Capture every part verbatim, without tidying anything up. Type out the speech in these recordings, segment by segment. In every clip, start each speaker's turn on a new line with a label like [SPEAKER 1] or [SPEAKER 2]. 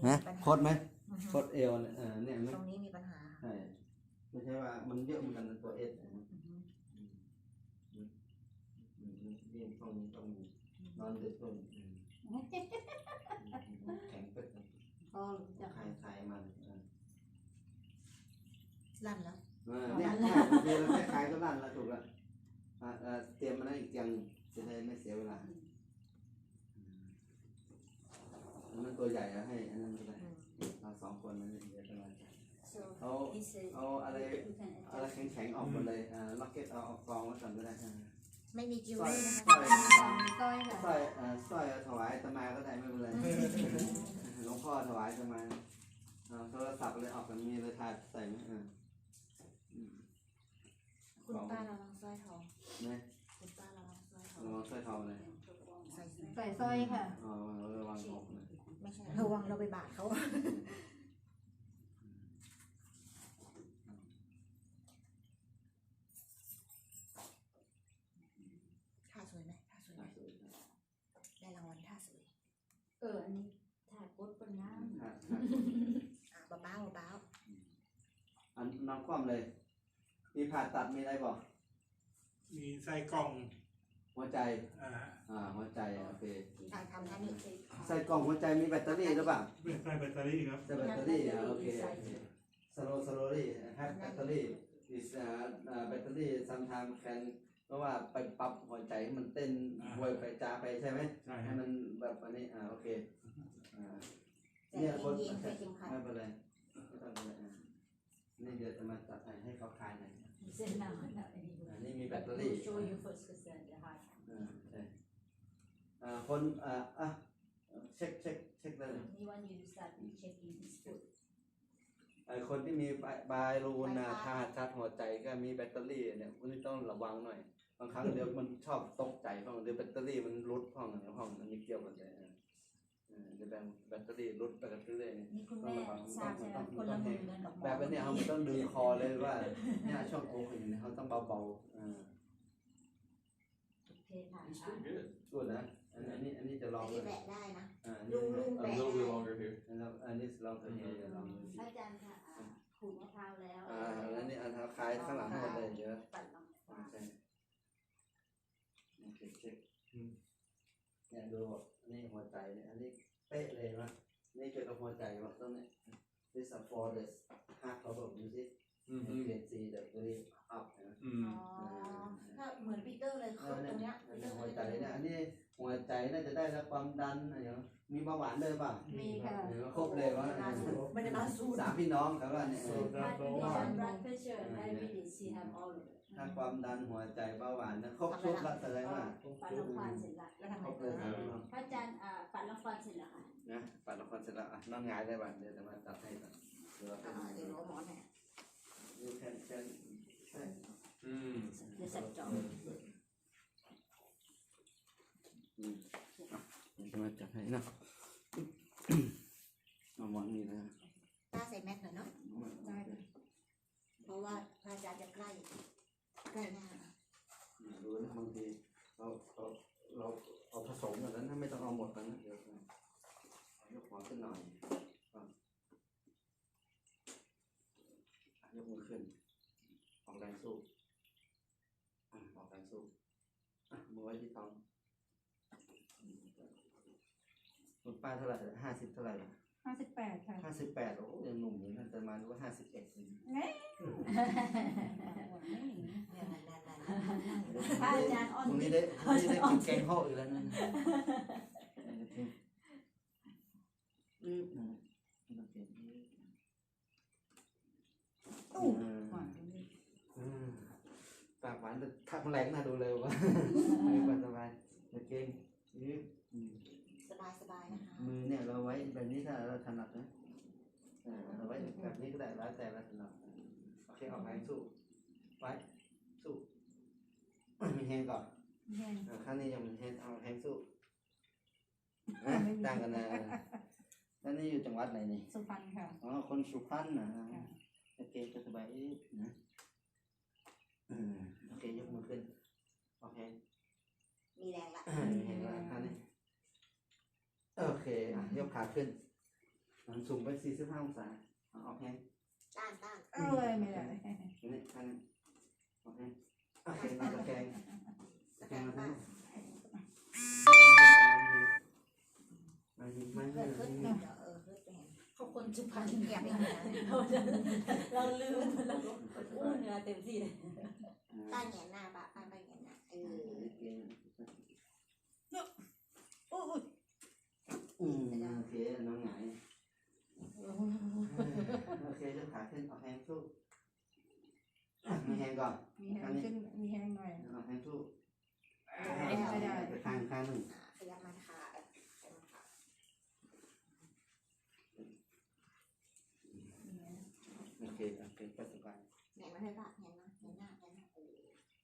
[SPEAKER 1] นะโคตรไหมโคตรเอวเนี่ยเออเนี่ยต
[SPEAKER 2] รงนี้มีปัญหา
[SPEAKER 1] ใช่ไม่ใช่ว่ามันเยอะเหมือนกันตัวเอสนี่ต้องต้องนอนดึกต้องแข็งเป็ด
[SPEAKER 3] ก็จะ
[SPEAKER 1] คลายคลายมัน
[SPEAKER 2] ลั่นแล้ว
[SPEAKER 1] เนี่ยเดี๋ยวเราแค่คลายก็ลั่นแล้วถูกแล้วเตรียมมาได้อีกอย่างจะได้ไม่เสียเวลามันตัวใหญ่แล้วให้อันนั้นก็ได้เราสองคนนั้นเดี๋ยวจะมาเอาเอาอะไรอะไรแข็งๆออกหมดเลยอ่าล็อกเก็ตเอาออกกองไว้ก่อนก็ได้
[SPEAKER 2] ไม่มีจิวเวลรี่
[SPEAKER 1] สร้อยสร้อย
[SPEAKER 3] สร้อยค่ะ
[SPEAKER 1] สร้อยอ่าสร้อยถวายตมาก็ได้ไม่เป็นไรหลวงพ่อถวายตมาโทรศัพท์เลยออกกันมีเลยถ่ายใส่ไหมอ่า
[SPEAKER 2] คุณป้าระวังสร้อยทอง
[SPEAKER 1] นะ
[SPEAKER 2] คุณป้าระวังสร้อยทอง
[SPEAKER 1] ระวังสร้อยทองเลย
[SPEAKER 2] ใส่
[SPEAKER 3] ใส่สร้อยค่ะ
[SPEAKER 1] อ๋อระวังออกเลย
[SPEAKER 2] ไม่ใช่ระวังเราไปบาดเขาท่าสวยไหมท่าสวยไหมได้รางวัลท่าสวย
[SPEAKER 3] เอออันนี้ถ่ายโพสเป็นน้ำ
[SPEAKER 2] อ่าเบาเบาเบา
[SPEAKER 1] อันน้องคว่ำเลยมีผ่าตัดมีอะไรบอก
[SPEAKER 4] มีใส่กล่อง
[SPEAKER 1] หัวใจ
[SPEAKER 4] อ่า
[SPEAKER 1] อ่าหัวใจโอเค
[SPEAKER 2] การทำท่านี้
[SPEAKER 1] ใส่กล่องหัวใจมีแบตเตอรี่หรือเปล่า
[SPEAKER 4] ใส่แบตเตอรี่ครับ
[SPEAKER 1] ใส่แบตเตอรี่โอเคสโลสโลลี่แฮปแบตเตอรี่ is อ่าแบตเตอรี่ sometimes can เพราะว่าไปปรับหัวใจให้มันเต้นววยไปจ้าไปใช่ไหม
[SPEAKER 4] ใช่
[SPEAKER 1] ให้มันแบบอันนี้อ่าโอเคอ่าเนี่ยคนไม่เป็นไรไม่ต้องเลยนี่เดี๋ยวจะมาจัดให้เขาคลายหน่อยนี่มีแบตเตอรี่อ่าคนอ่าอ่ะเช็คเช็คเช็คเลยไอคนที่มีบายรูนาธาตุชาร์จหัวใจก็มีแบตเตอรี่เนี่ยคุณต้องระวังหน่อยบางครั้งเดี๋ยวมันชอบตกใจเพราะเดี๋ยวแบตเตอรี่มันรุดห้องห้องมันมีเกี่ยวกันเลยเดี๋ยวแบตเตอรี่รุดไปกันเรื่อยๆ
[SPEAKER 3] นี่คุณแม่ทราบใช่ไหมคนละมือกัน
[SPEAKER 1] แบบนี้เขาต้องดึงคอเลยว่าเนี่ยช่องโค้งอย่างนี้เขาต้องเบาๆอ่า
[SPEAKER 3] โอเคค่ะ
[SPEAKER 1] ส่วนนะอันนี้อันนี้จะลอง
[SPEAKER 2] อันนี้แบะได้นะ
[SPEAKER 1] ลุ
[SPEAKER 2] งลุงแบะได้
[SPEAKER 1] แล้วอันนี้ลองตัวนี้จะลอง
[SPEAKER 3] อาจารย์ค่ะขูดมะพร้าวแล้ว
[SPEAKER 1] อ่าแล้วนี่อันเท้าคล้ายข้างหลังหมดเลยเยอะ
[SPEAKER 3] ปัดลง
[SPEAKER 1] ใช่โอเคเช็คเนี่ยดูนี่หัวใจเนี่ยอันนี้เป๊ะเลยนะนี่เกี่ยวกับหัวใจว่าตรงนี้ this is for the heart problem you see you can see the very up นะ
[SPEAKER 2] อ๋อถ้าเหมือนปีเตอร์เลยคือตรงเนี้ย
[SPEAKER 1] หัวใจเนี่ยอันนี้หัวใจน่าจะได้รับความดันอะไรอย่างมีเบาหวานเลยป่ะ
[SPEAKER 3] มีค่ะ
[SPEAKER 1] ครบเลยว่า
[SPEAKER 2] ไม่ได้มาสู้
[SPEAKER 1] สามพี่น้องแต่ว่าเนี่ยถ้าความดันหัวใจเบาหวานนะครบชุดละแสดงว่า
[SPEAKER 3] ปัดละครเสร็จละ
[SPEAKER 2] แล้วทำไง
[SPEAKER 1] ต่อ
[SPEAKER 3] พระอาจารย์ปัดละครเสร็จแล้วค่ะ
[SPEAKER 1] นะปัดละครเสร็จแล้วอ่ะนั่งงายได้บ้างเดี๋ยวจะมาตัดให้ก่อน
[SPEAKER 2] เดี๋ยวเดี๋ยวหมอเนี่ย
[SPEAKER 1] นี่แค่แค่ใช่
[SPEAKER 4] อืม
[SPEAKER 3] เดี๋ยวเสร็จจบ
[SPEAKER 1] อืมอ่ะเดี๋ยวจะมาจัดให้นะเอาหมอนนี่นะ
[SPEAKER 2] ป้าใส่แมสหน่อยเนาะได้เพราะว่าพระอาจารย์จะใกล้ใกล้หน้า
[SPEAKER 1] ดูนะบางทีเราเราเราเอาผสมกันนั้นไม่ต้องเอาหมดกันนะเดี๋ยวยกหัวขึ้นหน่อยยกมือขึ้นออกแรงสู้ออกแรงสู้มือไว้ที่ท้องคุณป้าเท่าไหร่ห้าสิบเท่าไหร่
[SPEAKER 3] ห้าสิบแปดค่ะ
[SPEAKER 1] ห้าสิบแปดโอ้ยังหนุ่มอยู่นั่นแต่มาดูว่าห้าสิบเอ็ด
[SPEAKER 3] เนี่ยพระอาจารย์อ่อน
[SPEAKER 1] นี้ได้นี่ได้กินแกงห่ออีกแล้วนั่นอืม
[SPEAKER 3] ตู้
[SPEAKER 1] ปากหวานแต่ทักแรงน่าดูเลยว่ะสบายสบายเก่งยืด
[SPEAKER 2] สบายสบายนะคะ
[SPEAKER 1] มือเนี่ยเราไว้แบบนี้ถ้าเราถนัดนะเราไว้แบบนี้ก็ได้แล้วแต่เราถนัดโอเคออกแรงสู้ไว้สู้มีแฮงก่อนข้างนี้ยังมีแฮงเอาแฮงสู้ต่างกันนะแล้วนี่อยู่จังหวัดไหนนี่
[SPEAKER 3] สุพรรณค่ะ
[SPEAKER 1] อ๋อคนสุพรรณนะโอเคก็สบายนะโอเคยกมือขึ้นโอเค
[SPEAKER 2] มีแรงละ
[SPEAKER 1] มีแรงละท่านนี้โอเคยกขาขึ้นหันสูงไปสี่สิบห้าองศาเอาออกแห้ง
[SPEAKER 2] ต้านต้าน
[SPEAKER 3] เอ้ยไม่ได้
[SPEAKER 1] นี่ข้างนี้ออกแห้งโอเคมาตะแกรงตะแกรงมาทั้งมาหิมา
[SPEAKER 2] เกิ
[SPEAKER 1] หิ
[SPEAKER 2] ดขึ้น
[SPEAKER 1] มา
[SPEAKER 2] เดี๋ยวเออเกิดไปเห็น
[SPEAKER 3] เขาคนสุพรรณ
[SPEAKER 2] แกไม่เห็นนะ
[SPEAKER 3] เราลืมเราอู้เหนือเต็มที่เลย
[SPEAKER 2] ต้านแหงหน้าปะต้านไปแหงหน้าเออ
[SPEAKER 3] โอ้ย
[SPEAKER 1] อืมโอเคน้องหงายโอเคจะขาขึ้นออกแห้งสู้มีแห้งก่อน
[SPEAKER 3] มีแห้งขึ้นมีแห้งหน่อย
[SPEAKER 1] ออกแห้งสู้
[SPEAKER 3] ไม่ได้
[SPEAKER 1] ไปข้างข้างหนึ่ง
[SPEAKER 2] อ่าขยับมันขาขยับมันขา
[SPEAKER 1] โอเคโอเคไปสบาย
[SPEAKER 2] แหงมันให้ปะแหงนะแหงหน้าแหงหน้าเออ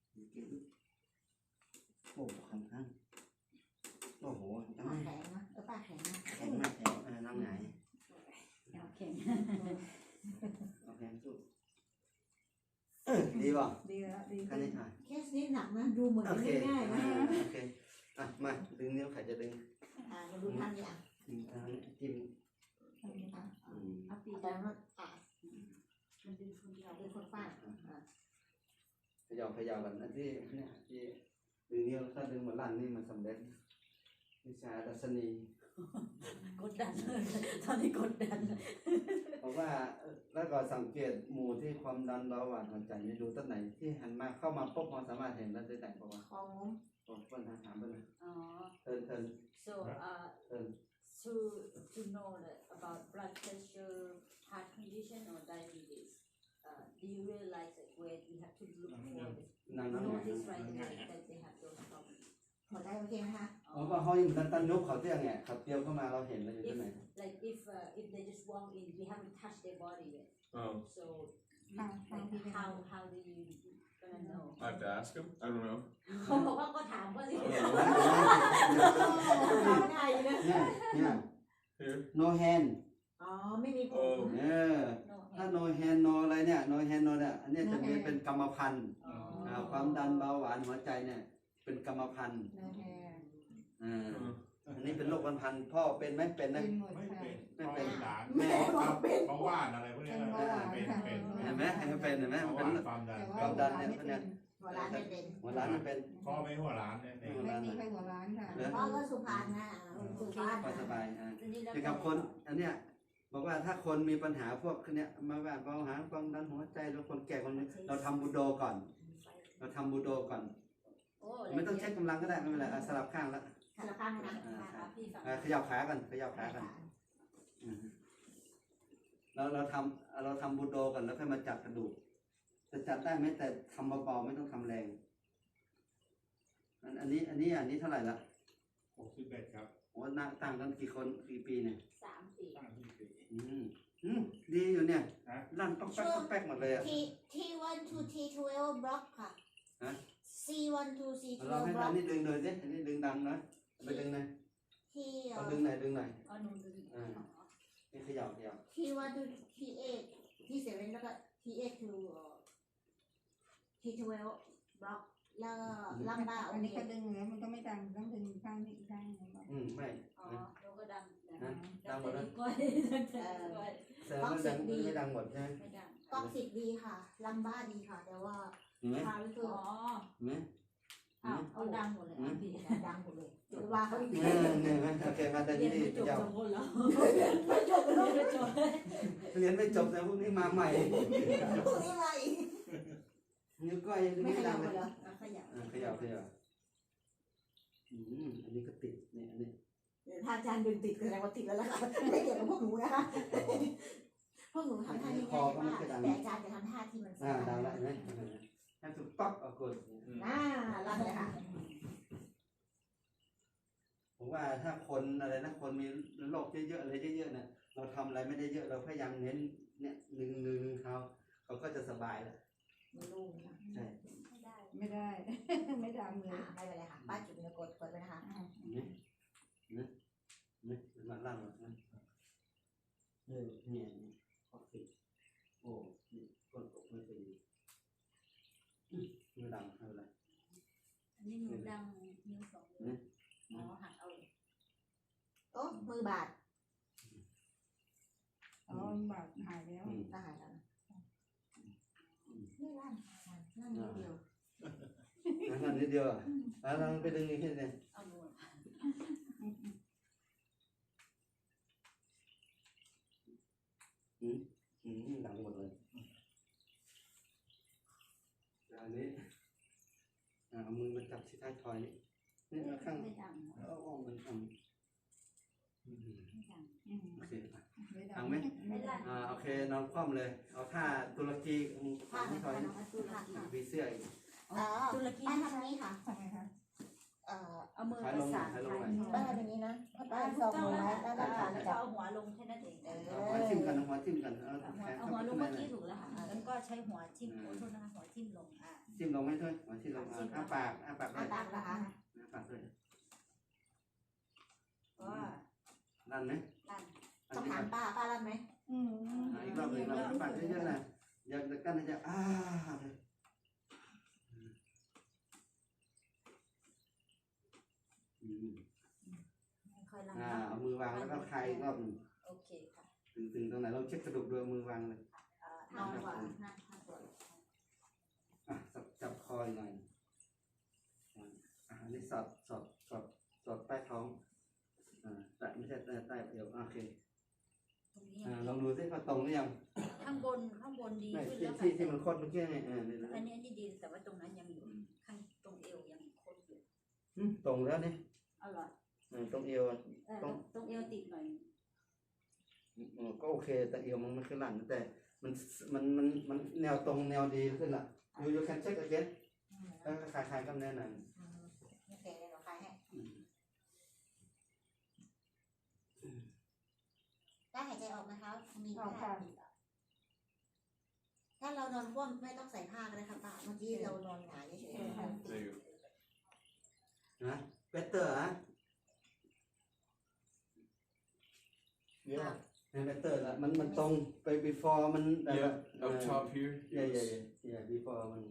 [SPEAKER 1] โอ้ข้างข้างโอ้โห
[SPEAKER 2] ปากแข็งนะเออปากแข็งนะ
[SPEAKER 1] แข็งมากแข็งอ่าน้องหงาย
[SPEAKER 3] โอเค
[SPEAKER 1] ออกแห้งสู้ดีป่ะ
[SPEAKER 3] ดีแล้วดี
[SPEAKER 1] แค่นี้อ่ะ
[SPEAKER 2] เคสนี้หนักนะดูเหมือน
[SPEAKER 1] โอเค
[SPEAKER 2] ง่ายๆนะ
[SPEAKER 1] โอเคอ่ะมาดึงนิ้วใครจะดึง
[SPEAKER 2] อ่ามาดูท่านเนี่ย
[SPEAKER 1] อืมอ่าจิ้ม
[SPEAKER 2] อ่ะ
[SPEAKER 1] อืม
[SPEAKER 3] เอาปี
[SPEAKER 2] แต่ว่าอ่ะ
[SPEAKER 3] มันดึงคนเดียว
[SPEAKER 2] เป็นคนฟาดอ่ะ
[SPEAKER 1] ขยับขยับกันอันที่เนี่ยที่ดึงนิ้วถ้าดึงเหมือนลั่นนี่มันสำเร็จวิชาดัชนี
[SPEAKER 3] กดดันตอนนี้กดดัน
[SPEAKER 1] เพราะว่าแล้วก็สังเกตหมู่ที่ความดันเบาหวานหัวใจไม่รู้ต้นไหนที่หันมาเข้ามาปุ๊บเราสามารถเห็นแล้วได้แต่งเพราะว่า
[SPEAKER 2] คองงม
[SPEAKER 1] ผมเพิ่นถามเพิ่นนะ
[SPEAKER 3] อ๋อ
[SPEAKER 1] เทินเทิน
[SPEAKER 3] so uh
[SPEAKER 1] เทิน
[SPEAKER 3] to to know that about blood pressure heart condition or diabetes uh do you realize that where you have to look for this
[SPEAKER 1] นั่งนั่งไหน
[SPEAKER 3] notice right away that they have those problems
[SPEAKER 2] พอได้โอเคไหมคะ
[SPEAKER 1] เพราะว่าเขาอยู่ตันตันยกเขาเตี้ยไงเขาเตี้ยวเข้ามาเราเห็นเราอยู่ที่ไหน
[SPEAKER 3] like if uh, if they just walk in we haven't touched their body yet
[SPEAKER 4] Oh,
[SPEAKER 3] so like how how do you gonna know
[SPEAKER 4] I have to ask him. I don't know.
[SPEAKER 3] เขาบอกว่าก็ถามว่าสิ
[SPEAKER 4] I don't know.
[SPEAKER 2] ง่ายเลย
[SPEAKER 1] เนี่ยเนี่ย
[SPEAKER 4] Here.
[SPEAKER 1] no hand
[SPEAKER 2] อ๋อไม่มีผ
[SPEAKER 4] เอ
[SPEAKER 2] ม
[SPEAKER 4] อ
[SPEAKER 1] เออถ้า no hand no อะไรเนี่ย no hand no เนี่ยอันเนี้ยจะมีเป็นกรรมพันธุ์
[SPEAKER 3] อ๋อ
[SPEAKER 1] อ่าความดันเบาหวานหัวใจเนี่ยเป็นกรรมพันธุ์
[SPEAKER 3] โอเค
[SPEAKER 1] อ่าอันนี้เป็นโรคพันธุ์พ่อเป็นไหมเป็นนะ
[SPEAKER 3] เป็นหมด
[SPEAKER 4] ไม่
[SPEAKER 3] ค่ะ
[SPEAKER 4] เป็น
[SPEAKER 1] ไม่เป็น
[SPEAKER 4] หลาน
[SPEAKER 1] แม่
[SPEAKER 4] ครับเบาหวานอะไรพวกเนี้ยนะเป็นเป็น
[SPEAKER 1] เห็นไหมให้มันเป็นเห็นไหม
[SPEAKER 4] เบา
[SPEAKER 1] มัน
[SPEAKER 4] ห
[SPEAKER 1] เป็น
[SPEAKER 4] วานความดัน
[SPEAKER 1] ความดันเนี่ยพวกเนี้ย
[SPEAKER 2] หัวร้านไม่เป็น
[SPEAKER 1] หัวร้านมันเป็น
[SPEAKER 4] พ่อไม่หัวร้านเนี่ยเอง
[SPEAKER 3] ไม่มีใครหัวร้านค่ะ
[SPEAKER 2] พ่อก็สุพรรณนะสุพรรณ
[SPEAKER 1] ก็สบายอ่า
[SPEAKER 3] อันนี้แล้ว
[SPEAKER 1] เกี่ยวกับคนอันเนี้ยบอกว่าถ้าคนมีปัญหาพวกเนี้ยมาว่าเบาหวานความดันหัวใจแล้วคนแก่คนนี้เราทำบูโดก่อน เราทำบูโดก่อน
[SPEAKER 3] โอ้
[SPEAKER 1] ไม่ต้องใช้กำลังก็ได้ไม่เป็นไรอ่ะสลับข้างแล้ว
[SPEAKER 2] สารพัดนะ
[SPEAKER 3] ค่ะพี่ฝั่ง
[SPEAKER 1] อ่ะขยับขากันขยับขากันอืมเราเราทำเราทำบูโดก่อนแล้วค่อยมาจับกระดูกจะจับได้ไหมแต่ทำเบาๆไม่ต้องทำแรงอันอันนี้อันนี้อันนี้เท่าไหร่ละ
[SPEAKER 4] หกสิบเอ็ดครับ
[SPEAKER 1] โอ้น่าต่างกันกี่คนกี่ปีเนี่ย
[SPEAKER 3] สามปี
[SPEAKER 4] ตั้งที่สี่
[SPEAKER 1] อืมอืมดีอยู่เนี่ย
[SPEAKER 4] ฮะ
[SPEAKER 1] ลั่นป๊อกแป๊กป๊อกแป๊กหมดเลยอ่ะ
[SPEAKER 2] ที ทีวันทูทีทเวลบล็อกค่ะ
[SPEAKER 1] ฮะ
[SPEAKER 2] ซีวันทูซีทเว
[SPEAKER 1] เรา
[SPEAKER 2] ล
[SPEAKER 1] ให้
[SPEAKER 2] บล็
[SPEAKER 1] อั
[SPEAKER 2] อก
[SPEAKER 1] นนี้ดึงเลยสิอันนี้ดึงดังนะไปดึงหน่อย
[SPEAKER 2] ที
[SPEAKER 1] เอาดึงหน่อยดึงหน่อย
[SPEAKER 3] อ๋อหนูดู
[SPEAKER 1] นี่ขยับขยับ
[SPEAKER 2] ทีวันทูทีเอทีเซเว่นแล้วก็ทีเอทูทีทเวลบล็อกแล้วก็ลัมบ้าโอ
[SPEAKER 3] อันนี้
[SPEAKER 2] เค
[SPEAKER 3] ก็ดึงแล้วมันก็ไม่ดังต้องดึงข้างนี้อีกข้างหนึงก่อน
[SPEAKER 1] อืมไม่
[SPEAKER 3] อ๋อแล้วก็ดัง
[SPEAKER 1] ดังหมดแล้ว
[SPEAKER 3] ก้อยดังแต่ก้อย
[SPEAKER 1] แสดงว่าดังไม่ดังหมดใช่ไหม
[SPEAKER 3] ไม่ดัง
[SPEAKER 2] กล้องสิบดีค่ะลัมบ้าดีค่ะ แต่ว่า
[SPEAKER 1] เห็นไหม
[SPEAKER 2] คาร์คือ
[SPEAKER 3] อ๋อ
[SPEAKER 1] เห็นไหม
[SPEAKER 3] อ้าวเอาดังหมดเลยอ่ะพี่
[SPEAKER 2] ดังหมดเลยจุดว่าเขาอีก
[SPEAKER 1] เออเนี่ยเห็นไหมโอเคมาแต่
[SPEAKER 3] เรีย
[SPEAKER 1] นี่
[SPEAKER 3] น
[SPEAKER 1] ดี
[SPEAKER 3] ไม่จบ
[SPEAKER 1] ยาว
[SPEAKER 3] สองคนแล้ว
[SPEAKER 2] ไม่จบเลย
[SPEAKER 3] เรียนไม่จบ
[SPEAKER 1] เรียนไม่จบแต่พวกนี้มาใหม่
[SPEAKER 2] พวกนี้มาอีก
[SPEAKER 1] นิ้วก้อยยัง
[SPEAKER 2] ไม่
[SPEAKER 1] ไม่
[SPEAKER 2] ขยั
[SPEAKER 1] ดั
[SPEAKER 2] บ
[SPEAKER 1] ง
[SPEAKER 2] เล
[SPEAKER 1] เลย ย
[SPEAKER 2] เหรอ
[SPEAKER 3] อ่ะขยับ
[SPEAKER 1] อ่าขยับขยับอืมอันนี้ก็ติดเนี่ยอันนี้
[SPEAKER 2] ถ้าอาจารย์ดึงติดแสดงว่าติดแล้วล่ะค่ะไม่เกี่ยวกับพวกหนูนะคะพวกหนูทำท่านี้ง่ายมากแต่อาจารย์จะทำท่าที่มัน
[SPEAKER 1] อ่าดังแล้วเห็นไหมให้ถูกปั๊บเอากด
[SPEAKER 2] น่ารักเลยค่ะ
[SPEAKER 1] ผมว่าถ้าคนอะไรนะคนมีโรคเยอะๆอะไรเยอะๆเนี่ยเราทำอะไรไม่ได้เยอะเราพยายามเน้นเนี่ยหนึ่งหนึ่งเขาเขาก็จะสบายแล้ว
[SPEAKER 2] มันลูกนะ
[SPEAKER 1] ใช่
[SPEAKER 3] ไม่ได้ไม่ได้ ไม่ดังเลย
[SPEAKER 2] อ่าไม่เป็นไรค่ะป้าจุดเนื้อกดกดไปนะคะ
[SPEAKER 1] เนี่ยเนี่ยเนี่ยมันลั่นหมดนะเออเนี่ยขอบติดโอ้นี่กดกดไม่เป็นไม่ดังไม่เป็นไร
[SPEAKER 3] อันนี้หนูดังนิ้วสองนิ้วอ๋อหักเอา
[SPEAKER 2] โอ้มือบาด
[SPEAKER 5] อนบาดหายแล้ว
[SPEAKER 1] อืม
[SPEAKER 2] ก็หายแล้วนะนี่ร่างนั่งนิดเดียว
[SPEAKER 1] นั่นนิดเดียวอ่ะแล้วเราไปดึงอีกทีนึง
[SPEAKER 3] เอามือ
[SPEAKER 1] อืมอืมดังหมดเลยอันนี้อ่าเอามือมาจับที่ท้ายทอยนี่นี่เอาข้าง
[SPEAKER 3] ไม่ดัง
[SPEAKER 1] เอาออกมันทำอืม
[SPEAKER 3] ไม่ดัง
[SPEAKER 5] อืม
[SPEAKER 1] โอเคอ่ะ
[SPEAKER 5] ไม่ได้
[SPEAKER 1] เอาไหม
[SPEAKER 3] ไม่ดัง
[SPEAKER 1] อ่าโอเคนอนคว่ำเลย เอาท่าตุรกีอืม
[SPEAKER 2] ผ้า
[SPEAKER 1] ที่
[SPEAKER 2] นะ
[SPEAKER 1] ทอย
[SPEAKER 2] คะ
[SPEAKER 1] นี่
[SPEAKER 2] น้องตุลาค่ะ
[SPEAKER 1] มีเสื้ออีก
[SPEAKER 2] อ๋อ
[SPEAKER 3] ตุรกี
[SPEAKER 2] ป้าทำนี้ค่ะ
[SPEAKER 5] ทำไมคะ
[SPEAKER 2] เอ่อ
[SPEAKER 3] เอามือประสาน
[SPEAKER 1] ถ่ายลง
[SPEAKER 3] ถ่าย
[SPEAKER 1] หน่อย
[SPEAKER 2] ป้าทำอย่างนี้นะป้า
[SPEAKER 3] อ่า
[SPEAKER 2] ซ
[SPEAKER 3] ถู
[SPEAKER 2] อก ง
[SPEAKER 3] ต้อง
[SPEAKER 2] ลง
[SPEAKER 3] แล้ว
[SPEAKER 2] ไว้แล้วก็
[SPEAKER 3] อ่า
[SPEAKER 2] ขา
[SPEAKER 3] แล้ว
[SPEAKER 2] จั
[SPEAKER 3] ก็
[SPEAKER 2] บ
[SPEAKER 3] เอาหัวลงแค่นั้นเอง
[SPEAKER 2] เออ
[SPEAKER 1] เอาหัวทิ่มกันเอาหัวทิ่มกันเอา
[SPEAKER 3] เอาหัว
[SPEAKER 1] แขน
[SPEAKER 3] เอา
[SPEAKER 1] เข้า
[SPEAKER 3] หัว
[SPEAKER 1] ไป
[SPEAKER 3] ลง
[SPEAKER 1] ข้างใน
[SPEAKER 3] เมื่อ
[SPEAKER 1] หน่
[SPEAKER 3] กี้
[SPEAKER 1] อย
[SPEAKER 3] ถูกแล้วค่ะแล้วก็ใช้หัวทิ่มโอ้โทษนะคะหัวทิ่มลงอ่า
[SPEAKER 1] จิ้มลงไหมด้วยหัวทิ่มลงอ่ะอ้าปากอ้าปากด้
[SPEAKER 2] อา
[SPEAKER 1] วย
[SPEAKER 2] ปากนะคะ
[SPEAKER 1] อ้าปากด้วย
[SPEAKER 3] ก็
[SPEAKER 1] ลั่นไหม
[SPEAKER 3] ลั่น
[SPEAKER 1] ลั่น
[SPEAKER 2] ต้อง
[SPEAKER 1] ที่
[SPEAKER 2] ถาม
[SPEAKER 1] ปาก
[SPEAKER 2] ป้าป้ารับไหม
[SPEAKER 5] อืม
[SPEAKER 1] อ่ะอีกรอบหนึ่งเราอ้าปากเยอะๆนะอยากจะกั้นให้จะอ้าเลยอืม
[SPEAKER 3] ค่อยลั่น
[SPEAKER 1] อ่า
[SPEAKER 3] เนาะ
[SPEAKER 1] เอามือวางแล้วก็คลายอีกรอบหนึ่ง
[SPEAKER 3] โอเคค่ะ
[SPEAKER 1] ตึงๆตรงไหนเราเช็คกระดูกด้วยมือวางเลย
[SPEAKER 3] อ่านอนกว่านั่งข้างตัว
[SPEAKER 1] อ่ะจับจับคออีกหน่อยอ่ะอันนี้สอดสอดสอดสอดใต้ท้องอ่าแต่ไม่ใช่ใต้ใต้เอวโอเค
[SPEAKER 3] ตรงนี้
[SPEAKER 1] อ่าลองดูซิว่าตรงหรือยัง
[SPEAKER 3] ข้างบนข้างบนดี
[SPEAKER 1] ไม่
[SPEAKER 3] ขึ้น
[SPEAKER 1] ที่
[SPEAKER 3] แล้ว
[SPEAKER 1] ที่
[SPEAKER 3] ค่ะ
[SPEAKER 1] ที่มันโคตรเมื่อกี้ไงอ่านี่นะ
[SPEAKER 3] อันนี้อันนี้ดีแต่ว่าตรงนั้นยังอยู่ข้างตรงเอวยังคดอยู่
[SPEAKER 1] อืมตรงแล้วนี่
[SPEAKER 3] อร่อย
[SPEAKER 1] อ่าตรงเอวอ่ะ
[SPEAKER 3] เออตรงตรงเอวติดหน่อย
[SPEAKER 1] อืมก็โอเคแต่เอวมันไม่ขึ้นหลังแต่มันมันมันมันแนวตรงแนวดีขึ้นละยูยูแคนเช็คagain แล้วก็คลายคลายกล้ามเนื้อหน่อย
[SPEAKER 2] โอเคเดี๋ยวเราคลายให้
[SPEAKER 1] อืม
[SPEAKER 2] ได้หายใจออกนะคะมี
[SPEAKER 5] เอา
[SPEAKER 2] ผ้า
[SPEAKER 5] ค่ะ
[SPEAKER 2] ถ้าเรานอนคว่ำไม่ต้องใส่ผ้าก็ได้ค่ะป้าเมื่อกี้เรานอนหงายเฉยๆ
[SPEAKER 1] นะเบเตอร์ฮะ
[SPEAKER 6] Yeah,
[SPEAKER 1] เบเตอร์ละมันมันตรงไป before มันแบบ
[SPEAKER 6] yeah, up top here.
[SPEAKER 1] เย่เย่เย่ before มัน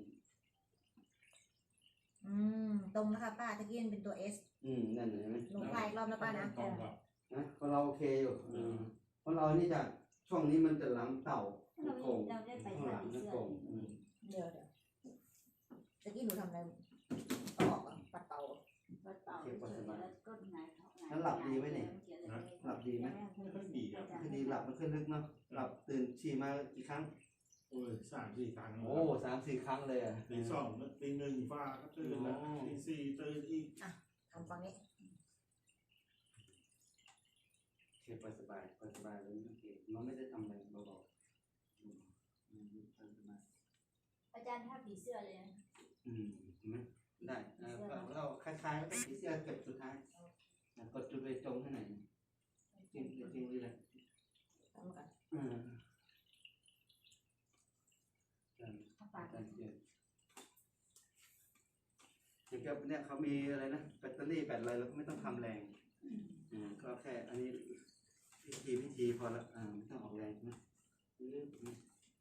[SPEAKER 2] อืมตรงนะคะป้าตะกี้มันเป็นตัวเอส
[SPEAKER 1] อืมนั่นเห็นไหม
[SPEAKER 2] หนูคลายอีกรอบนะป้านะ
[SPEAKER 4] ตรงกับ
[SPEAKER 1] นะเพราะเราโอเคอยู่อืมเพราะเรานี่จะช่วงนี้มันจะหลังเต่า
[SPEAKER 3] เรา
[SPEAKER 1] โก่ง
[SPEAKER 3] เราได้ไป
[SPEAKER 1] ข้างหลัง
[SPEAKER 3] ทำ
[SPEAKER 1] จะ
[SPEAKER 3] เสื้อ
[SPEAKER 1] โก่งอืม
[SPEAKER 2] เดี๋ยวเดี๋ยวตะกี้หนูทำอะไรต่ออ่ะปัดเป่า
[SPEAKER 3] ก็เป่าเฉยๆแล้วก็หงายท้องหงาย
[SPEAKER 1] แล้วหลับดีไหมเนี่ยหลับดีไหม
[SPEAKER 4] ไม่ค่อยดีครับ
[SPEAKER 1] คือดีหลับมันขึ้นลึกเนาะหลับตื่นฉี่มากี่ครั้ง
[SPEAKER 4] โอ้ยสามสี่ครั้ง
[SPEAKER 1] โอ้สามสี่ครั้งเลยอ่ะ
[SPEAKER 4] ตีสองตีหนึ่งฟ้าก็ตื่นแล้วตีสี่ตื่นอีก
[SPEAKER 2] ทำฟังนี้
[SPEAKER 1] โอเคไปสบายไปสบายเลยโอเคน้องไม่ได้ทำอะไรเบาๆอืมอืมไปสบาย
[SPEAKER 3] อาจารย์ถ้าผีเสื้อเลยนะ
[SPEAKER 1] อืมเห็นไหมได้เออเราคล้ายๆแล้วก็ผีเสื้อเก็บสุดท้ายอ่ะกดจุดไปจงให้หน่อยจริงจริงเลย
[SPEAKER 2] ทำกัน
[SPEAKER 1] อืม
[SPEAKER 3] ถ้าปาก
[SPEAKER 1] การเปลี่ยนอย่างกับเนี่ยเขามีอะไรนะแบตเตอรี่แบตอะไรเราก็ไม่ต้องทำแรงอืมก็แค่อันนี้พิธีพิธีพอละอ่าไม่ต้องออกแรงนะอืมอืม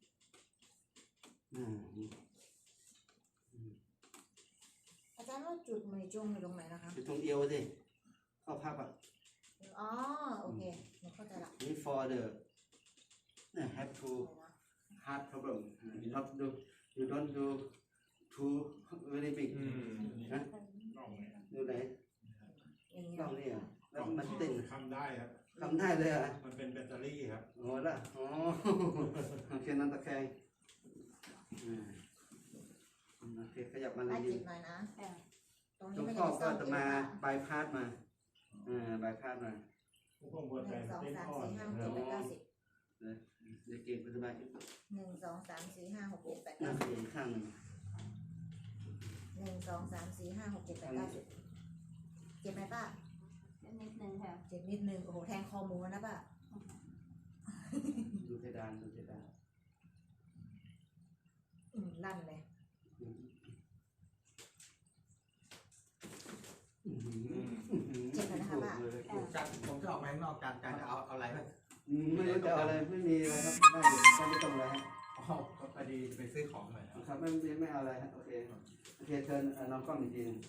[SPEAKER 1] อืมอืม
[SPEAKER 2] อาจารย์ว่าจุดมือจงอยู่ตรงไหนนะคะ
[SPEAKER 1] อยู่ตรงเอวสิเข้าพับอ่ะ
[SPEAKER 2] อ๋อโอเคหนูเข้าใจละ
[SPEAKER 1] นี่ for the uh, have to heart problem uh, you not do you don't do too very big
[SPEAKER 4] อืม
[SPEAKER 1] นะ
[SPEAKER 4] ต้องไง
[SPEAKER 1] ดูไหน
[SPEAKER 2] อย่างนี้
[SPEAKER 1] ต้องนี่อ่ะแล้วมันติ่ง
[SPEAKER 4] ทำได้ครับ
[SPEAKER 1] ทำได้เลยอ่ะ
[SPEAKER 4] มันเป็นแบตเตอรี่ครับ
[SPEAKER 1] โอ้ละอ๋อโอเคนั่นตะแคงอืมโอเคขยับมาเล
[SPEAKER 2] ป้าย
[SPEAKER 1] ยื
[SPEAKER 2] จิ
[SPEAKER 1] น
[SPEAKER 2] ตหน่อยนะตรง
[SPEAKER 1] ตร
[SPEAKER 2] นี้
[SPEAKER 1] ง
[SPEAKER 2] ไม่
[SPEAKER 1] ข้อ
[SPEAKER 2] ได้
[SPEAKER 1] ก็
[SPEAKER 2] ซ่อม
[SPEAKER 1] จะ
[SPEAKER 2] เย
[SPEAKER 1] มา
[SPEAKER 2] อะ
[SPEAKER 1] บายพาสมาอ่าบายพาสมา
[SPEAKER 4] ผมปวด
[SPEAKER 2] ห
[SPEAKER 4] ใจ
[SPEAKER 2] นึ่งสอง
[SPEAKER 4] เต้น
[SPEAKER 2] สาม
[SPEAKER 4] อ่อน
[SPEAKER 2] สี่ห้าหกเจ็ดแปดเก้าสิบ
[SPEAKER 1] เด็กเก่งปัจจุบัน
[SPEAKER 2] หนึ่งสองสามสี่ห้าหกเจ็ดแปด
[SPEAKER 1] นั่
[SPEAKER 2] เก้าง สิบ
[SPEAKER 1] อีกข้างหนึ่ง
[SPEAKER 2] หนึ่งสองสามสี่ห้าหกเจ็ดแปดเก้าสิบเจ็บไหมป้า
[SPEAKER 3] นิดนึงค่ะ
[SPEAKER 2] เจ็บนิดนึงโอ้โหแทงคอหมูนะป้า
[SPEAKER 1] ดูเพดานดูเพดาน
[SPEAKER 2] อืมลั่นเลย เจ็บเลยนะคะป้า
[SPEAKER 6] จันผมจะออกมาข้างนอกจันจันจะเอาเอาอะไรบ้าง
[SPEAKER 1] ไม่รู้จะเอาอะไรไม่มีอะไรครับได้อยู่ได้ไม่ต้องอะไรฮะ
[SPEAKER 6] อ๋อพอดีไปซื้อของหน่อยครับ
[SPEAKER 1] ครับไม่ไม่ไม่เอาอะไรฮะโอเคโอเคเชิญเอ่อน้องกล้องอีกทีหนึง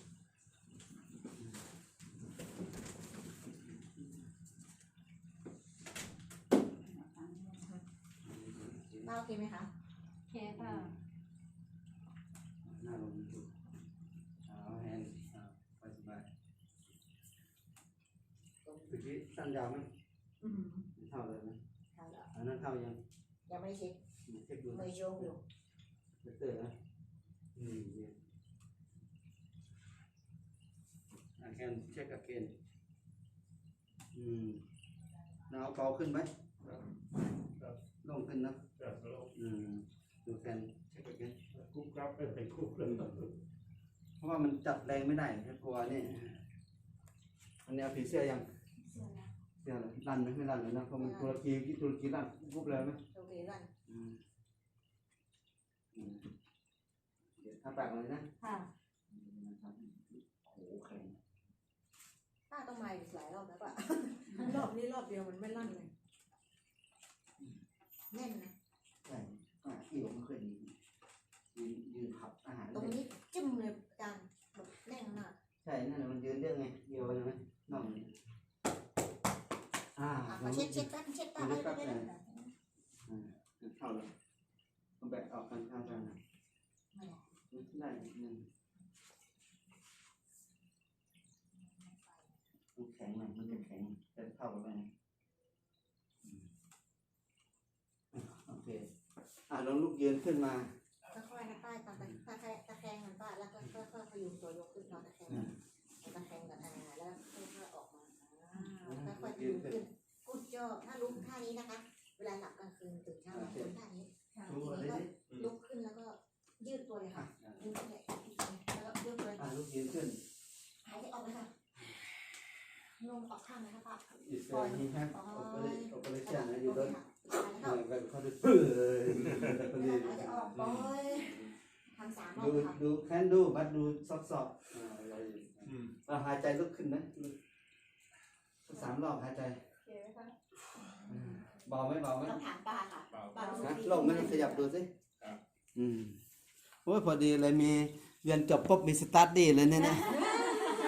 [SPEAKER 2] ป้าโอเคไหมคะ
[SPEAKER 3] โอเคค่ะ
[SPEAKER 1] หน้าลงดูเอาแฮนด์อ่าไปสบายเมื่อกี้สั้นยาวไหม
[SPEAKER 2] อืม
[SPEAKER 1] เท่าเลยไหม
[SPEAKER 2] เท่าแล้ว
[SPEAKER 1] อันนั้นเท่ายัง
[SPEAKER 2] ยังไม่ได้เช็ค
[SPEAKER 1] เช็คดู
[SPEAKER 2] มือโยงอยู่
[SPEAKER 1] เตอร์นะอืมเนี่ย I can check again อืมnow เบาขึ้นไหม
[SPEAKER 4] ครับ
[SPEAKER 1] ลงขึ้นนะ
[SPEAKER 4] ครับแล้ว
[SPEAKER 1] อืม you can check again
[SPEAKER 4] คุกครับไปคุกเลย
[SPEAKER 1] เพราะว่ามันจับแรงไม่ได้แค่กลัวนี่อันนี้เอาผีเสื้อยัง
[SPEAKER 2] เสื้อนะ
[SPEAKER 1] เสื้อเลยรันไหมไม่รันเลยนะเพราะมันตุรกีตุรกีรันปุ๊บเลยไหม
[SPEAKER 2] โอเครัน
[SPEAKER 1] อืมอืมเดี๋ยวถ้าปากเลยนะ
[SPEAKER 2] ค่ะ
[SPEAKER 1] นะครับโอ้โหแข็ง
[SPEAKER 2] ป้าต้องมาอีกหลายรอบแล้วป่ะ รอบนี้รอบเดียวมันไม่ลั่นเลยแน่นนะ
[SPEAKER 1] ใช่อ่าที่ผมไม่เคยยืนยืนยืนขับอาหาร
[SPEAKER 2] ตรงนี้จิ้มเลยอาจารย์แบบแน่นมาก
[SPEAKER 1] ใช่นั่นแหละมันยืนเรื่องไงเดียวใช่ไหมน่องนี่อ่า
[SPEAKER 2] อ่ะขอเช็ดเช็ดแป๊บเช็ดตาไว้ได้ไหม
[SPEAKER 1] อ่าเข้าแล้วเอาแบะออกกันข้างกันนะ
[SPEAKER 2] ไม่ได้
[SPEAKER 1] ได้หนึ่งมันแข็งหน่อยมันจะแข็งจะเข้ากันไหมอืมโอเคอ่าลองลุกยืนขึ้นมา
[SPEAKER 2] ค่อยๆนะป้าตาตะตะแคงตะแคงมันป้าแล้วก็ค่อยๆพยุงตัวยกขึ้นนอนตะแคงตะแคงกับอ่าแล้วค่อยๆออกมาอ่าค่อยๆพยุงขึ้นกุดจอถ้าลุกท่านี้นะคะ เวลาหลับกลางคืนตื่นเช้ามาคนท่านี้
[SPEAKER 1] ดูอะไรดิ
[SPEAKER 2] ลุกขึ้นแล้วก็ยืดตัวเลยค่ะยืดตัวเลยแล้วก็ยืดตัวเลย
[SPEAKER 1] อ่าลุกยืนขึ้น
[SPEAKER 2] หายใจออกเลยค่ะลมออกข้างเลยค่ะป้า
[SPEAKER 1] อีกแล้วนี่ฮะโอเปอเรโอเปอเรชั่นนะอยู่
[SPEAKER 2] โอ
[SPEAKER 1] ด้
[SPEAKER 2] เค
[SPEAKER 1] วย
[SPEAKER 2] ค่ะหายใจ
[SPEAKER 1] เห
[SPEAKER 2] เข้า
[SPEAKER 1] มือนกันเขาจะเปื่อย
[SPEAKER 2] หายใจออกปล่อยทำสามรอบ
[SPEAKER 1] ดู
[SPEAKER 2] ค่ะ
[SPEAKER 1] ดูแค่ดูบัดดูซอบซอบอ่าอะไร
[SPEAKER 6] อืม
[SPEAKER 1] เราหายใจลุกขึ้นนะสามรอบหายใจ
[SPEAKER 3] โอเคไหมคะ
[SPEAKER 1] เบาไหมเบาไหม
[SPEAKER 2] ต้องถามป้าค่ะป้ารู้
[SPEAKER 1] นะ
[SPEAKER 2] ดี
[SPEAKER 1] ลงไหมขยับดูสิอืมโอ้ยพอดีเลยมีเรียนจบปุ๊บมีสตาร์ทดีเลยเนี่ยนะ